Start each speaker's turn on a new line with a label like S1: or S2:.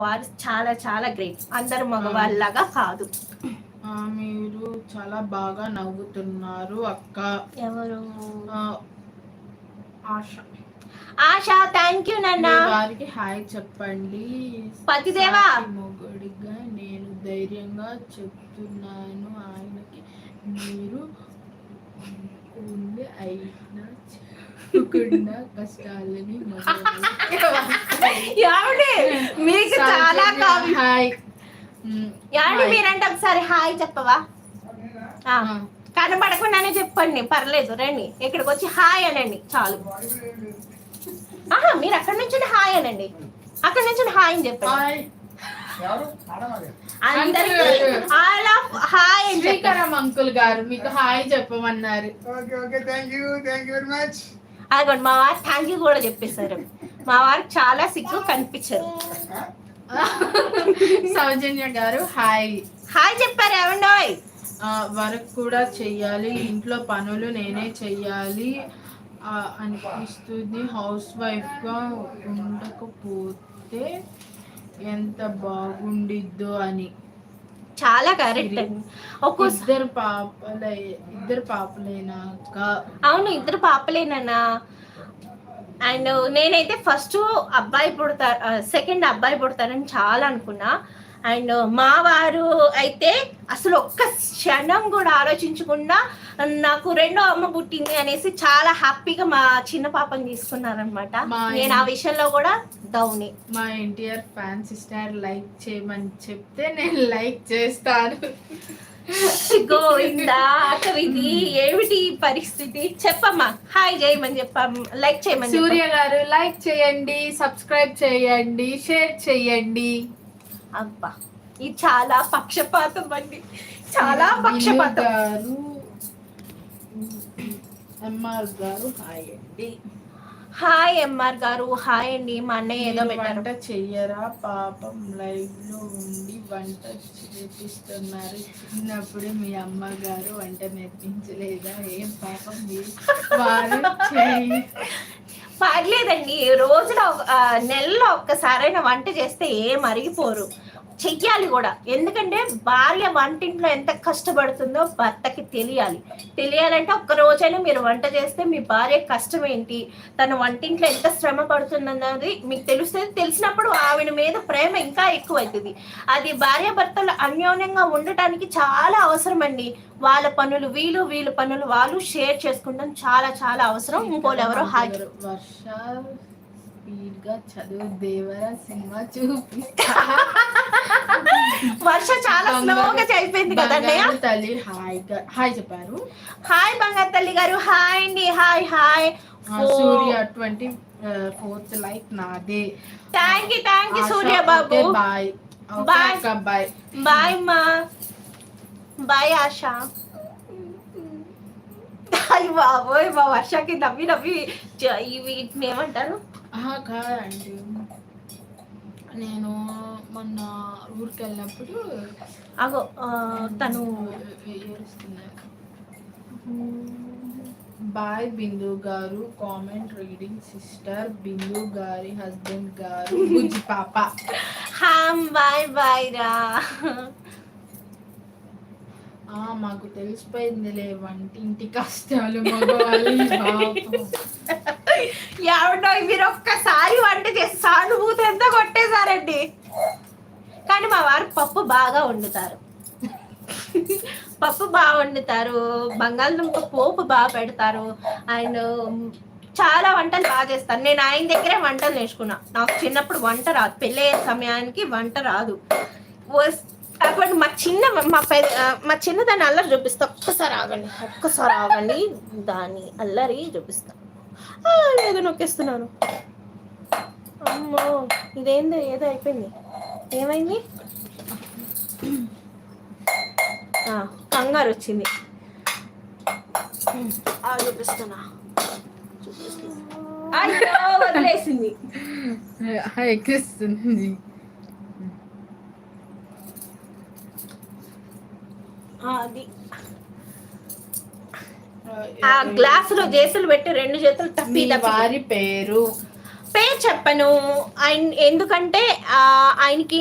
S1: వారు చాలా చాలా గ్రేట్. అందరు మగవాళ్ళలాగా కాదు.
S2: మీరు చాలా బాగా నవ్వుతున్నారు అక్క.
S1: ఎవరు?
S2: ఆశ.
S1: ఆశ, థ్యాంక్ యూ నాన్న.
S2: వారికి హాయ్ చెప్పండి.
S1: పతిదేవా
S2: మొగుడిగా నేను ధైర్యంగా చెప్తున్నాను, ఆయనకి మీరు అయినా చెప్పుకున్న కష్టాలని
S1: మీకు చాలా
S2: హాయ్.
S1: మీరంటే ఒకసారి హాయ్ చెప్పవా? కనబడకుండానే చెప్పండి, పర్లేదు. రండి ఇక్కడికి వచ్చి హాయ్ అనండి చాలు. మీరు అక్కడి నుంచి హాయ్ అనండి, అక్కడి నుంచి హాయ్ అని చెప్పండి.
S2: శ్రీకరం అంకుల్ గారు మీకు హాయ్ చెప్పమన్నారు.
S1: అదిగోండి మా వారు థ్యాంక్ యూ కూడా చెప్పేశారు. మా వారు చాలా సిగ్గు కనిపించారు.
S2: సౌజన్య గారు హాయ్.
S1: హాయ్ చెప్పారు. ఏమండోయ్?
S2: వర్క్ కూడా చెయ్యాలి, ఇంట్లో పనులు నేనే చెయ్యాలి అనిపిస్తుంది. హౌస్ వైఫ్ గా ఉండకపోతే ఎంత బాగుండిద్దో అని.
S1: చాలా కరెక్ట్ అండి.
S2: ఇద్దరు పాపలేనాక?
S1: అవును, ఇద్దరు పాపలేనా. అండ్ నేనైతే ఫస్ట్ అబ్బాయి పుడతారు, సెకండ్ అబ్బాయి పుడతారని చాలా అనుకున్నా. అండ్ మా వారు అయితే అసలు ఒక్క క్షణం కూడా ఆలోచించకుండా నాకు రెండో అమ్మ పుట్టింది అనేసి చాలా హ్యాపీగా మా చిన్న పాపని తీసుకున్నారనమాట. నేను ఆ విషయంలో కూడా డౌన్.
S2: మా ఎన్టీఆర్ ఫ్యాన్ సిస్టర్ లైక్ చేయమని చెప్తే నేను లైక్ చేస్తాను.
S1: గోవిందా కవిది ఏమిటి పరిస్థితి? చెప్పమ్మా, హాయ్ చేయమని చెప్పాం, లైక్ చేయమని.
S2: సూర్య గారు లైక్ చేయండి, సబ్స్క్రైబ్ చేయండి, షేర్ చేయండి.
S1: అబ్బా ఇది చాలా పక్షపాతం అండి, చాలా పక్షపాతం.
S2: ఎంఆర్ గారు హాయ్ అండి.
S1: హాయ్ ఎంఆర్ గారు హాయ్ అండి. మా అన్నయ్య ఏదో
S2: వంట చెయ్యరా? పాపం లైవ్ లో ఉండి వంట చేపిస్తున్నారు. చిన్నప్పుడు మీ అమ్మగారు వంట నేర్పించలేదా? ఏం పాపం వారు
S1: పర్లేదండి, రోజులో నెలలో ఒక్కసారైనా వంట చేస్తే ఏం అరిగిపోరు, చెయ్యాలి కూడా. ఎందుకంటే భార్య వంటింట్లో ఎంత కష్టపడుతుందో భర్తకి తెలియాలంటే ఒక్క రోజైనా మీరు వంట చేస్తే మీ భార్య కష్టం ఏంటి, తన వంటింట్లో ఎంత శ్రమ పడుతుందన్నది మీకు తెలుస్తుంది. తెలిసినప్పుడు ఆవిడ మీద ప్రేమ ఇంకా ఎక్కువ అవుతుంది. అది భార్యాభర్తలు అన్యోన్యంగా ఉండటానికి చాలా అవసరం అండి. వాళ్ళ పనులు వీళ్ళు, వీళ్ళ పనులు వాళ్ళు షేర్ చేసుకుంటాం చాలా చాలా అవసరం. ఇంకోళ్ళు ఎవరో హాజరు.
S2: స్పీడ్ గా చదువు దేవరా సినిమా చూపిస్తా.
S1: వర్ష చాలా స్లోగా అయిపోయింది కదండి.
S2: తల్లి హాయ్ చెప్పారు.
S1: హాయ్ బంగారు తల్లి గారు హాయ్ అండి. Hi hi.
S2: Surya 24th like నాదే.
S1: థ్యాంక్ యూ సూర్య బాబు.
S2: బాయ్ బాయ్
S1: బాయ్ మా బాయ్ ఆశ. అయ్యి బాబోయ్, మా వర్షకి నవ్వి వీటిని ఏమంటారు
S2: కాదండి. నేను మొన్న ఊరికి వెళ్ళినప్పుడు
S1: అగో తను
S2: బాయ్ బిందు గారు కామెంట్ రీడింగ్ సిస్టర్. బిందు గారి హస్బెండ్ గారు బుజ్జి పాప.
S1: బాయ్ బాయ్ రా.
S2: మాకు తెలిసిపోయిందిలే వంటింటి కష్టాలు మగవాళ్ళు.
S1: ఎవడో మీరు ఒక్కసారి వంట చేసి సానుభూతి ఎంత కొట్టేశారండి. కానీ మా వారు పప్పు బాగా వండుతారు, బంగాళదుంప పోపు బాగా పెడతారు. అండ్ చాలా వంటలు బాగా చేస్తాను. నేను ఆయన దగ్గరే వంటలు నేర్చుకున్నా. నాకు చిన్నప్పుడు వంట రాదు, పెళ్ళయ్యే సమయానికి వంట రాదు. అప్పుడు మా చిన్నదాన్ని అల్లరి చూపిస్తా. ఒక్కసారి ఆగండి, దాన్ని అల్లరి చూపిస్తా. ఏదో నొక్కేస్తున్నాను. అమ్మో ఇదేందో ఏదో అయిపోయింది. ఏమైంది? కంగారు వచ్చింది. చూపిస్తున్నా. అయ్యో వదిలేసింది. అది ఆ గ్లాస్ లో చేతులు పెట్టి 2 చేతులు తప్పి.
S2: వారి పేరు
S1: చెప్పను. ఎందుకంటే ఆయనకి